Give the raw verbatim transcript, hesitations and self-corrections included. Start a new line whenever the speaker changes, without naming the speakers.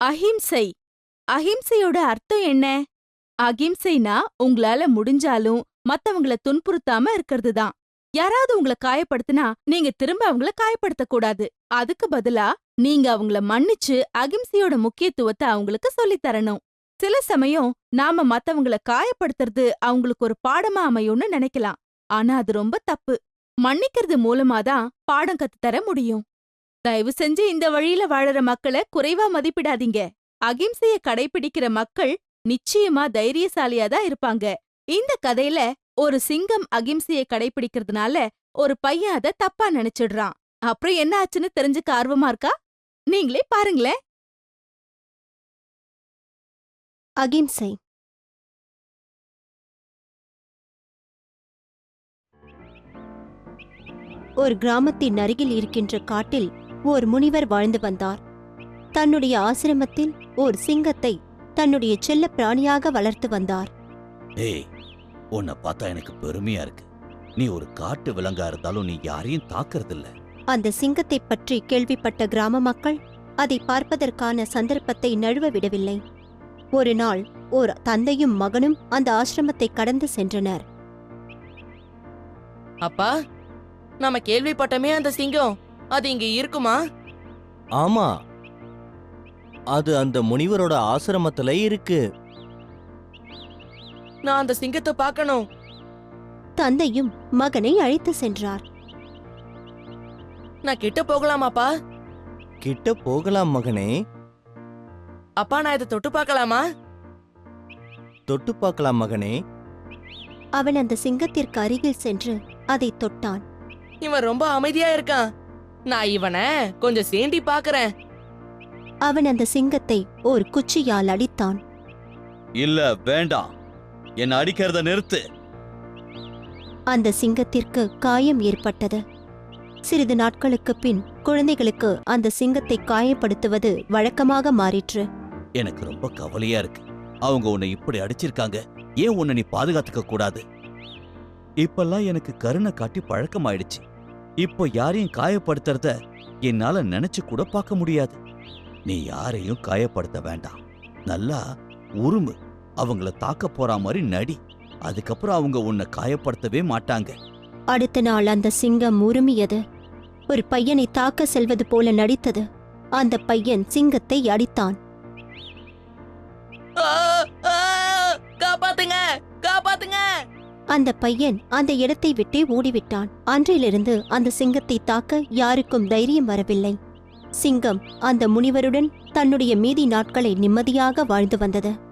அஹிம்சை. அஹிம்சையோட அர்த்தம் என்ன? அகிம்சைனா உங்களால முடிஞ்சாலும் மத்தவங்கள துன்புறுத்தாம இருக்கிறது தான். யாராவது உங்கள காயப்படுத்தினா நீங்க திரும்ப அவங்கள காயப்படுத்த கூடாது. அதுக்கு பதிலா நீங்க அவங்கள மன்னிச்சு அகிம்சையோட முக்கியத்துவத்தை அவங்களுக்கு சொல்லித் தரணும். சில சமயம் நாம மத்தவங்கள காயப்படுத்துறது அவங்களுக்கு ஒரு பாடமா அமையும்னு நினைக்கலாம். ஆனா அது ரொம்ப தப்பு. மன்னிக்கிறது மூலமாதான் பாடம் கத்து தர முடியும். தயவு செஞ்சு இந்த வழியில வாழற மக்களை குறைவா மதிப்பிடாதீங்க. அகிம்சைய கடைபிடிக்கிற மக்கள் நிச்சயமா தைரியசாலியா தான் இருப்பாங்க. இந்த கதையில ஒரு சிங்கம் அகிம்சைய கடைபிடிக்கிறதுனால ஒரு பையன் அத தப்பா நினைச்சிடுறான். அப்புறம் என்ன ஆச்சுன்னு தெரிஞ்சுக்க ஆர்வமா இருக்கா? நீங்களே பாருங்களேன்.
அகிம்சை. ஒரு கிராமத்தின் அருகில் இருக்கின்ற காட்டில் ஓர் முனிவர் வாழ்ந்து வந்தார். தன்னுடைய ஆசிரமத்தில் ஓர் சிங்கத்தை தன்னுடைய செல்ல பிராணியாக வளர்த்து வந்தார்.
ஏய், உன்னை பார்த்தா எனக்கு பெருமையா இருக்கு. நீ ஒரு காட்டு விலங்கா இருந்தாலும் நீ யாரையும் தாக்குறதில்ல.
அந்த சிங்கத்தை பற்றி கேள்விப்பட்ட கிராம மக்கள் அதை பார்ப்பதற்கான சந்தர்ப்பத்தை நழுவ விடவில்லை. ஒரு நாள் ஓர் தந்தையும் மகனும் அந்த ஆசிரமத்தை கடந்து சென்றனர்.
அப்பா, நாம கேள்விப்பட்டமே அந்த சிங்கம், அது இங்க இருக்குமா?
ஆமா, அது அந்த முனிவரோட ஆசிரமத்துல இருக்கு.
நான் அந்த சிங்கத்தை பார்க்கணும்.
தந்தையும் மகனை அழைத்து சென்றார்.
நான் கிட்ட போகலாமாப்பா?
கிட்ட போகலாம் மகனே.
அப்பா, நான் இதை தொட்டு பார்க்கலாமா?
தொட்டு பார்க்கலாம் மகனே.
அவன் அந்த சிங்கத்திற்கு அருகில் சென்று அதை தொட்டான்.
இவன் ரொம்ப அமைதியா இருக்கான். நான் இவனை கொஞ்சம் சேண்டி பார்க்கறேன்.
அவன் அந்த சிங்கத்தை ஒரு குச்சியால் அடித்தான்.
இல்ல, வேண்டாம். என்ன அடிக்கிறத நிறுத்து.
அந்த சிங்கத்திற்கு காயம் ஏற்பட்டது. சிறிது நாட்களுக்கு பின் குழந்தைகளுக்கு அந்த சிங்கத்தை காயப்படுத்துவது வழக்கமாக மாறிற்று.
எனக்கு ரொம்ப கவலையா இருக்கு. அவங்க உன்னை இப்படி அடிச்சிருக்காங்க. ஏன் உன்னை நீ பாதுகாத்துக்க கூடாது? இப்பெல்லாம் எனக்கு கருணை காட்டி பழக்கமாயிடுச்சு. இப்போ யாரையும் காயப்படுத்துறத என்னால நினைச்சு கூட பார்க்க முடியாது. நீ யாரையும் காயப்படுத்த வேண்டாம். நல்லா உருமு. அவங்கள தாக்க போற மாதிரி நடி. அதுக்கப்புறம் அவங்க உன்னை காயப்படுத்தவே மாட்டாங்க.
அடுத்த நாள் அந்த சிங்கம் உருமியது. ஒரு பையனை தாக்க செல்வது போல நடித்தது. அந்த பையன் சிங்கத்தை அடித்தான்.
ஆ, ஆ, காப்பாத்துங்க, காப்பாத்துங்க!
அந்த பையன் அந்த இடத்தை விட்டே ஓடிவிட்டான். அன்றிலிருந்து அந்த சிங்கத்தை தாக்க யாருக்கும் தைரியம் வரவில்லை. சிங்கம் அந்த முனிவருடன் தன்னுடைய மீதி நாட்களை நிம்மதியாக வாழ்ந்து வந்தது.